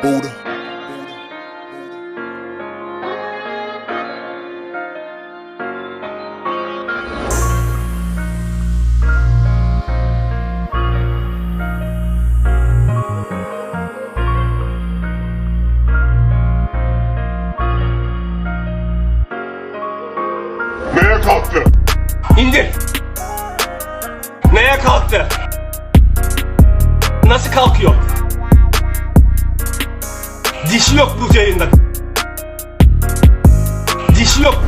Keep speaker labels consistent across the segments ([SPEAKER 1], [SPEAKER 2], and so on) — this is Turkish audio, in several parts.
[SPEAKER 1] Buddha.
[SPEAKER 2] Neye kalktı?
[SPEAKER 3] İndir. Neye kalktı? Nasıl kalkıyor? Dişi yok bu yayında. Dişi yok.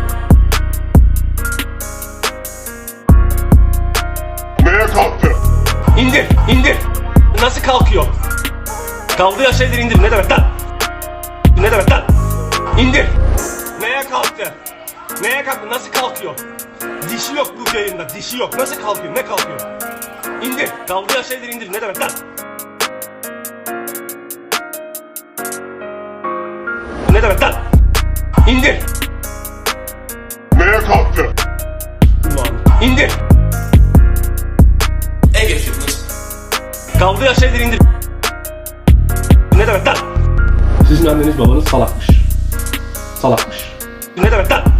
[SPEAKER 2] Neye kalktı?
[SPEAKER 3] İndir, indir. Nasıl kalkıyor? Kaldığı şeyleri indir. Ne demek lan? Ne demek lan? İndir. Neye kalktı? Neye kalktı? Nasıl kalkıyor? Dişi yok bu yayında. Dişi yok. Nasıl kalkıyor? Ne kalkıyor? İndir. Kaldığı şeyleri indir. Ne demek lan? Ne demek lan? İndir.
[SPEAKER 2] Neye kalktı?
[SPEAKER 3] Ulan. İndir.
[SPEAKER 4] Ege Fitness.
[SPEAKER 3] Kaldığı şeyleri indir. Ne demek lan? Sizin anneniz babanız salakmış. Salakmış. Ne demek lan?